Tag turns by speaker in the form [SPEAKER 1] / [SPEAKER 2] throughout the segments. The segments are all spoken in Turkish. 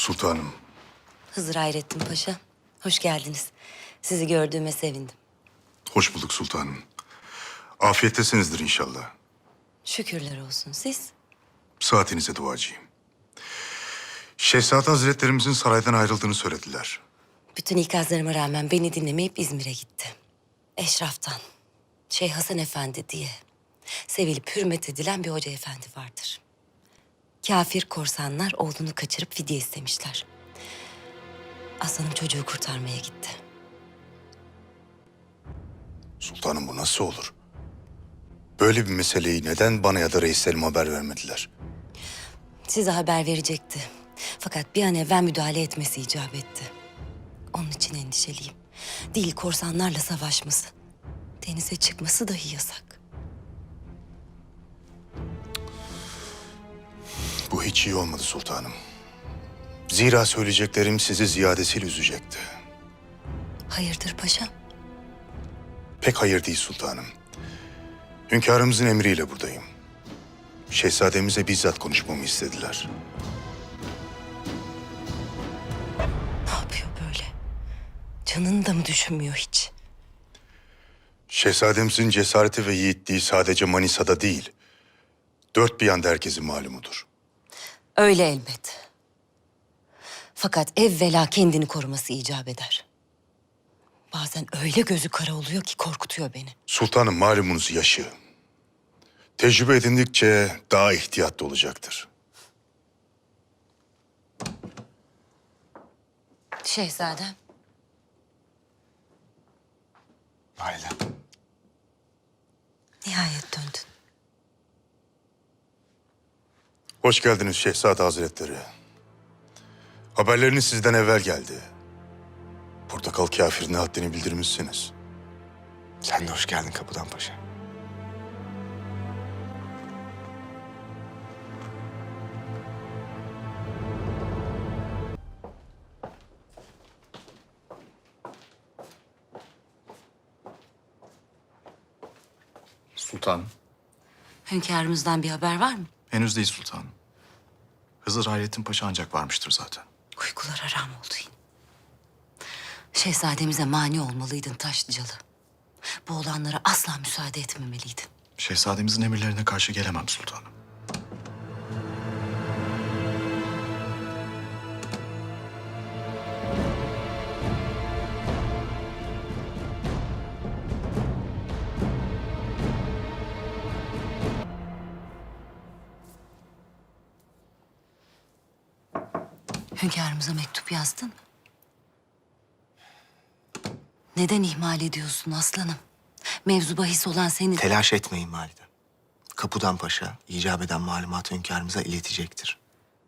[SPEAKER 1] Sultanım.
[SPEAKER 2] Hızır Hayrettin Paşa, hoş geldiniz. Sizi gördüğüme sevindim.
[SPEAKER 1] Hoş bulduk sultanım. Afiyettesinizdir inşallah.
[SPEAKER 2] Şükürler olsun. Siz?
[SPEAKER 1] Saatinize duacıyım. Şehzade Hazretlerimizin saraydan ayrıldığını söylediler.
[SPEAKER 2] Bütün ikazlarıma rağmen beni dinlemeyip İzmir'e gitti. Eşraftan, Şeyh Hasan Efendi diye sevilip hürmet edilen bir hoca efendi vardır. Kafir korsanlar oğlunu kaçırıp fidye istemişler. Aslanım çocuğu kurtarmaya gitti.
[SPEAKER 1] Sultanım bu nasıl olur? Böyle bir meseleyi neden bana ya da reislerim haber vermediler?
[SPEAKER 2] Size haber verecekti. Fakat bir an evvel müdahale etmesi icap etti. Onun için endişeliyim. Değil korsanlarla savaşması. Denize çıkması dahi yasak.
[SPEAKER 1] Bu hiç iyi olmadı sultanım. Zira söyleyeceklerim sizi ziyadesiyle üzecekti.
[SPEAKER 2] Hayırdır paşam?
[SPEAKER 1] Pek hayır değil sultanım. Hünkârımızın emriyle buradayım. Şehzademize bizzat konuşmamı istediler.
[SPEAKER 2] Ne yapıyor böyle? Canını da mı düşünmüyor hiç?
[SPEAKER 1] Şehzademizin cesareti ve yiğitliği sadece Manisa'da değil, dört bir yanda herkesin malumudur.
[SPEAKER 2] Öyle elbet. Fakat evvela kendini koruması icap eder. Bazen öyle gözü kara oluyor ki korkutuyor beni.
[SPEAKER 1] Sultanım malumunuz yaşı. Tecrübe edindikçe daha ihtiyatlı olacaktır.
[SPEAKER 2] Şehzadem.
[SPEAKER 1] Validem.
[SPEAKER 2] Nihayet döndün.
[SPEAKER 1] Hoş geldiniz Şehzade Hazretleri. Haberleriniz sizden evvel geldi. Portakal kafirine haddini bildirmişsiniz.
[SPEAKER 3] Sen de hoş geldin Kapıdan Paşa.
[SPEAKER 4] Sultanım.
[SPEAKER 2] Hünkârımızdan bir haber var mı?
[SPEAKER 4] Henüz değil sultanım. Hızır Hayrettin Paşa ancak varmıştır zaten.
[SPEAKER 2] Uykular haram oldu yine. Şehzademize mani olmalıydın Taşlıcalı. Bu olanlara asla müsaade etmemeliydin.
[SPEAKER 4] Şehzademizin emirlerine karşı gelemem sultanım.
[SPEAKER 2] Hünkârımıza mektup yazdın mı? Neden ihmal ediyorsun aslanım? Mevzu bahis olan senin.
[SPEAKER 3] Telaş etmeyin valide. Kapıdan Paşa icap eden malumatı hünkârımıza iletecektir.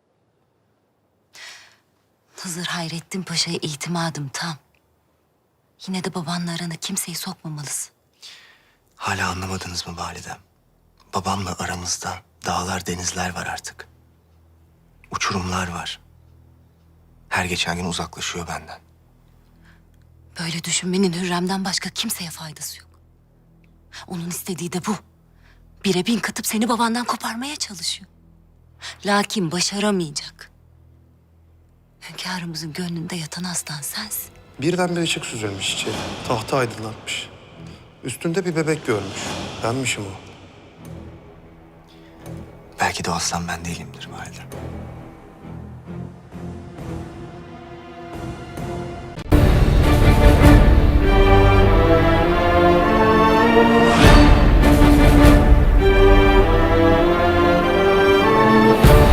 [SPEAKER 2] Hızır Hayrettin Paşa'ya itimadım tam. Yine de babanla arana kimseyi sokmamalısın.
[SPEAKER 3] Hala anlamadınız mı validem? Babamla aramızda dağlar denizler var artık. Uçurumlar var. Her geçen gün uzaklaşıyor benden.
[SPEAKER 2] Böyle düşünmenin Hürrem'den başka kimseye faydası yok. Onun istediği de bu. Bire bin katıp seni babandan koparmaya çalışıyor. Lakin başaramayacak. Hünkârımızın gönlünde yatan aslan sensin.
[SPEAKER 5] Birden bir ışık süzülmüş içeri. Tahtı aydınlatmış. Üstünde bir bebek görmüş. Benmişim o.
[SPEAKER 3] Belki de o aslan ben değilimdir validem.